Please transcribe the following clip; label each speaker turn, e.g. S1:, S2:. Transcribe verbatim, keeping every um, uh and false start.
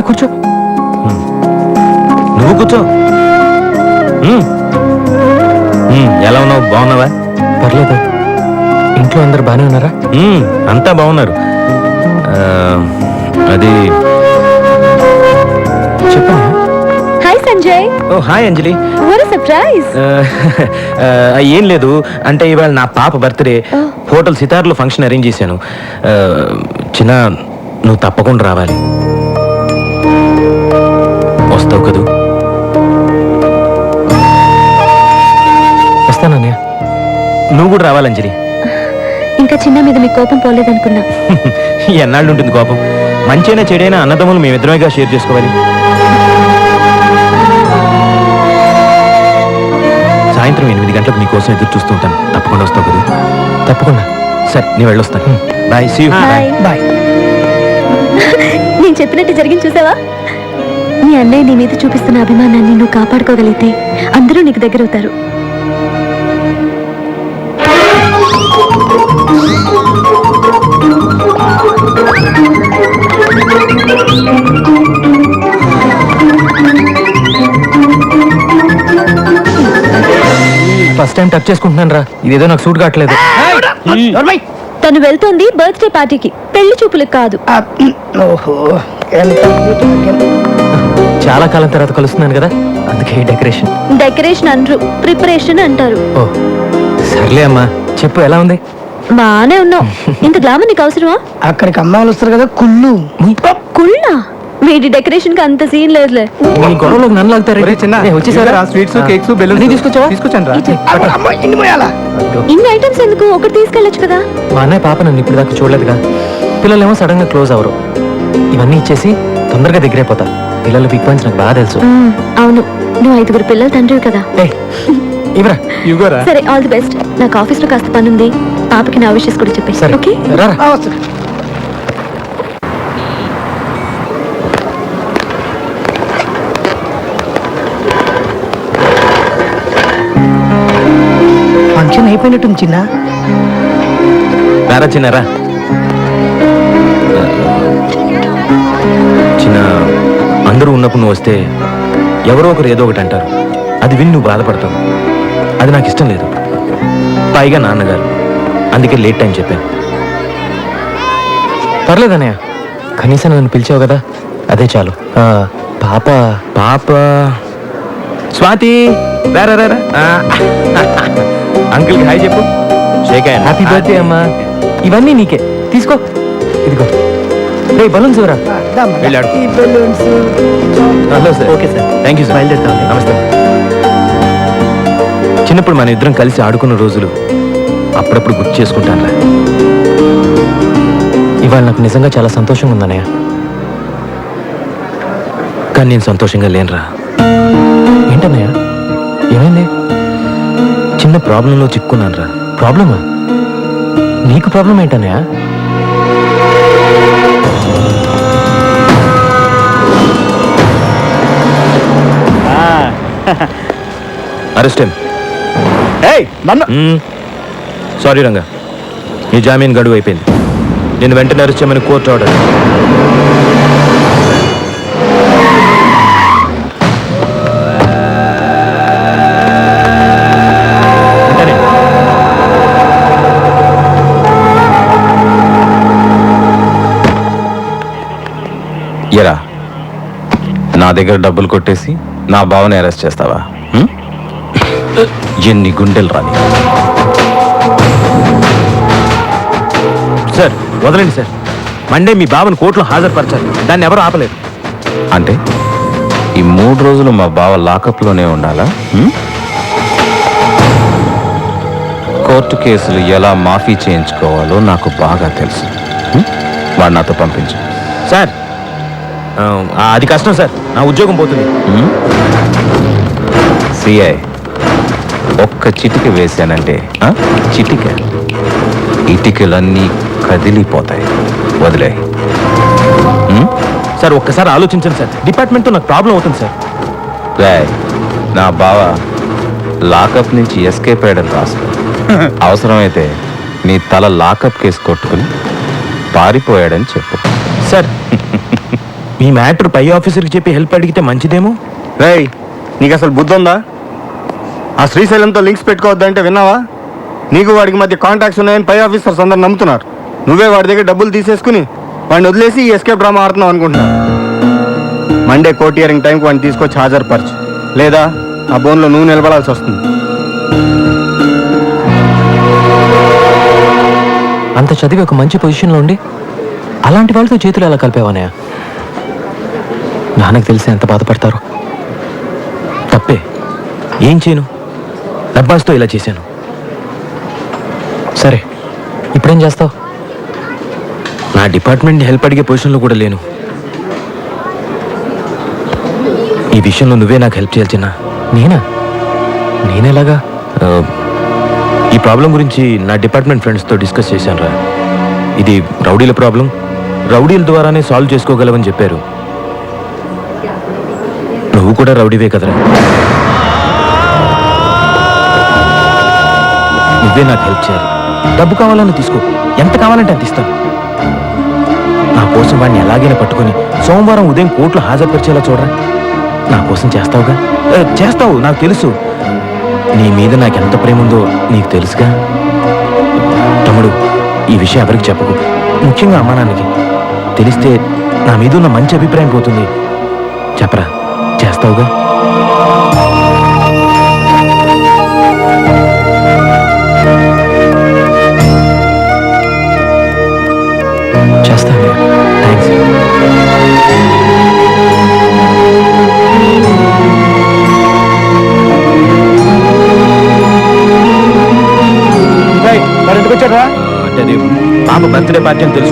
S1: రా కూర్చో.
S2: నువ్వు కూర్చో. ఎలా ఉన్నావు? బాగున్నావా?
S1: పర్లేదు. ఇంట్లో అందరు బాగానే ఉన్నారా?
S2: అంతా బాగున్నారు. అది
S1: చెప్పనా?
S3: Hi Sanjay.
S2: Oh hi Anjali.
S3: What a surprise.
S2: ఏం లేదు, అంటే ఇవాళ నా పాప బర్త్డే. హోటల్ సితార్లో ఫంక్షన్ అరేంజ్ చేశాను. చిన్న నువ్వు తప్పకుండా రావాలి. వస్తావు కదూ?
S1: వస్తానన్నయ్య.
S2: నువ్వు కూడా రావాలి అంజలి.
S3: ఇంకా చిన్న మీద మీ కోపం పోలేదనుకున్నా.
S2: ఎన్నాళ్ళు ఉంటుంది కోపం? మంచైనా చెడైనా అన్నదమ్ములు మేమిద్దరమేగా షేర్ చేసుకోవాలి. సాయంత్రం ఎనిమిది గంటలకు నీకోసం ఎదురు చూస్తూ ఉంటాను. తప్పకుండా వస్తావు కదా?
S1: తప్పకుండా.
S2: సరే, నేను వెళ్ళొస్తాను. బాయ్. See you.
S1: బాయ్.
S3: నేను చెప్పినట్టు జరిగింది చూసావా? నీ అన్నయ్య నీ మీద చూపిస్తున్న అభిమానాన్ని నువ్వు కాపాడుకోగలిగితే అందరూ నీకు దగ్గర అవుతారు.
S1: ఫస్ట్ టైం టచ్ చేసుకుంటున్నాను రా. ఇదేదో నాకు సూట్ కావట్లేదు.
S3: తను వెళ్తోంది బర్త్డే పార్టీకి, పెళ్లి చూపులకు కాదు.
S1: చాలా కాలం తర్వాత కలుస్తున్నాను కదా, అందుకే డెకరేషన్.
S3: డెకరేషన్ అనరు, ప్రిపరేషన్ అంటారు.
S1: ఓ సర్లే అమ్మా, చెప్పు ఎలా ఉంది?
S3: బానే ఉన్నావు. ఇంత గ్లామర్ నీకు అవసరమా?
S4: అక్కడికి అమ్మాయిలు వస్తారు కదా, కుళ్ళు.
S3: కుళ్ళా? వీడి డెకరేషన్ కి అంత సీన్ లేదులే.
S1: ఈ గొడవలోకి నన్ను లాగుతారు.
S5: స్వీట్స్ కేక్స్ బెలూన్స్
S1: తీసుకొచ్చావా?
S5: తీసుకొచ్చాను.
S3: ఇన్ని ఐటమ్స్ ఎందుకు? ఒకటి తీసుకెళ్ళొచ్చు కదా.
S1: మా అన్నయ్య పాప నన్ను ఇప్పుడు దాకా చూడలేదుగా. పిల్లలేమో సడన్ గా క్లోజ్ అవరు. ఇవన్నీ ఇచ్చేసి తొందరగా దగ్గరైపోతా. పిల్లలు బిగ్ పాయింట్స్ నాకు బాగా తెలుసు.
S3: అవును, నువ్వు ఐదుగురు పిల్లల తండ్రివి కదా.
S1: ఇవరా
S5: ఇవ్వరా?
S3: సరే, ఆల్ ది బెస్ట్. నాకు ఆఫీస్ లో కాస్త పని ఉంది. పాపకి నా విషయస్ కూడా చెప్పేసి.
S1: సరే
S3: ఓకే,
S1: రారా.
S4: ఫంక్షన్ అయిపోయినట్టుంది చిన్న.
S2: రారా చిన్నారా. చిన్న, అందరూ ఉన్నప్పుడు నువ్వు వస్తే ఎవరో ఒకరు ఏదో ఒకటి అంటారు. అది విని నువ్వు బాధపడతావు. అది నాకు ఇష్టం లేదు. పైగా నాన్నగారు, అందుకే లేట్ టైం చెప్పాను.
S1: పర్లేదన్నయ్య, కనీసం నన్ను పిలిచావు కదా, అదే చాలు. పాప
S2: పాప స్వాతి, రారా రారా. అంకుల్కి హాయ్ చెప్పు. Shake hand.
S1: హ్యాపీ బర్త్డే అమ్మా. ఇవన్నీ నీకే, తీసుకో. ఇదిగో రే బలూన్స్ ఎవరా?
S2: వెళ్ళాడు.
S1: Hello sir.
S2: Okay sir, thank you sir.
S1: బయలుదేరుతాం.
S2: నమస్తే. చిన్నప్పుడు మన ఇద్దరం కలిసి ఆడుకున్న రోజులు అప్పుడప్పుడు గుర్తు చేసుకుంటానురా.
S1: ఇవాళ నాకు నిజంగా చాలా సంతోషంగా ఉందన్నయ్య.
S2: కానీ నేను సంతోషంగా లేనురా.
S1: ఏంటన్నయ్య, ఏమైంది?
S2: చిన్న ప్రాబ్లంలో చిక్కున్నాను రా.
S1: ప్రాబ్లమా? నీకు ప్రాబ్లం ఏంటన్నయ్య?
S2: అరెస్ట్ సారీ రంగా, నీ జామీన్ గడువు అయిపోయింది. నేను వెంటనే అరెస్ట్ చేయమని కోర్టు ఆర్డర్. ఎరా, నా దగ్గర డబ్బులు కొట్టేసి నా బావని అరెస్ట్ చేస్తావా? ఎన్ని గుండెలు రాని. సార్ వదలండి సార్. మండే మీ బావని కోర్టులో హాజరుపరచాలి. దాన్ని ఎవరు ఆపలేరు. అంటే ఈ మూడు రోజులు మా బావ లాకప్లోనే ఉండాలా? కోర్టు కేసులు ఎలా మాఫీ చేయించుకోవాలో నాకు బాగా తెలుసు. వాడు నాతో పంపించు. సార్ అది కష్టం సార్, నా ఉద్యోగం పోతుంది. సిఐ ఒక్క చిటిక వేశానంటే చిటిక ఇటికలన్నీ కదిలిపోతాయి. వదిలే సార్. ఒక్కసారి ఆలోచించండి సార్. డిపార్ట్మెంట్తో నాకు ప్రాబ్లం అవుతుంది సార్. రాయ్, నా బావ లాకప్ నుంచి ఎస్కేప్ అయ్యాడని రాసుకో. అవసరమైతే నీ తల లాకప్ కేసు కొట్టుకుని పారిపోయాడని చెప్పు. సార్ మీ మ్యాటర్ పై ఆఫీసర్కి చెప్పి హెల్ప్ అడిగితే మంచిదేమో.
S5: రేయ్ నీకు అసలు బుద్ధి ఉందా? ఆ శ్రీశైలంతో లింక్స్ పెట్టుకోవద్దంటే విన్నావా? నీకు వాడికి మధ్య కాంటాక్ట్స్ ఉన్నాయని పై ఆఫీసర్స్ అందరు నమ్ముతున్నారు. నువ్వే వాడి దగ్గర డబ్బులు తీసేసుకుని వాడిని వదిలేసి ఈ ఎస్కేప్ డ్రామా ఆడుతున్నావు అనుకుంటున్నా. మండే కోర్ట్ హియరింగ్ టైంకి వాడిని తీసుకొచ్చి హాజరుపరచు, లేదా ఆ బోన్లో నువ్వు నిలబడాల్సి వస్తుంది.
S1: అంత చదివి ఒక మంచి పొజిషన్లో ఉండి అలాంటి వాళ్ళతో చేతులు ఎలా కలిపేవానయ్య? నాన్నకు తెలిసి ఎంత బాధపడతారు.
S2: తప్పే, ఏం చేయను, డబ్బాస్తో ఇలా చేశాను.
S1: సరే ఇప్పుడేం చేస్తావు?
S2: నా డిపార్ట్మెంట్ హెల్ప్ అడిగే పొజిషన్లో కూడా లేను. ఈ విషయంలో నువ్వే నాకు హెల్ప్ చేయాలి చిన్న.
S1: నేనా? నేనేలాగా?
S2: ఆ, ఈ ప్రాబ్లం గురించి నా డిపార్ట్మెంట్ ఫ్రెండ్స్తో డిస్కస్ చేశాను రా. ఇది రౌడీల ప్రాబ్లం, రౌడీల ద్వారానే సాల్వ్ చేసుకోగలవని చెప్పారు. నువ్వు కూడా రౌడీవే కదరా, నువ్వే నాకు హెల్ప్ చేయాలి. డబ్బు కావాలని తీసుకో, ఎంత కావాలంటే అంత ఇస్తాను. నా కోసం వాడిని ఎలాగైనా పట్టుకొని సోమవారం ఉదయం కోర్టులో హాజరుపరిచేలా చూడరా. నా కోసం చేస్తావుగా? ఏ, చేస్తావు, నాకు తెలుసు. నీ మీద నాకు ఎంత ప్రేమ ఉందో నీకు తెలుసుగా. తమ్ముడు, ఈ విషయం ఎవరికి చెప్పకు, ముఖ్యంగా అమ్మా నాన్నకి. తెలిస్తే నా మీద ఉన్న మంచి అభిప్రాయం పోతుంది. చెప్పరా, చేస్తావుగా?
S1: చేస్తాను. థ్యాంక్స్.
S5: వచ్చారా?
S2: అంటే అది పాప బర్త్డే పార్టీ అని తెలుసు.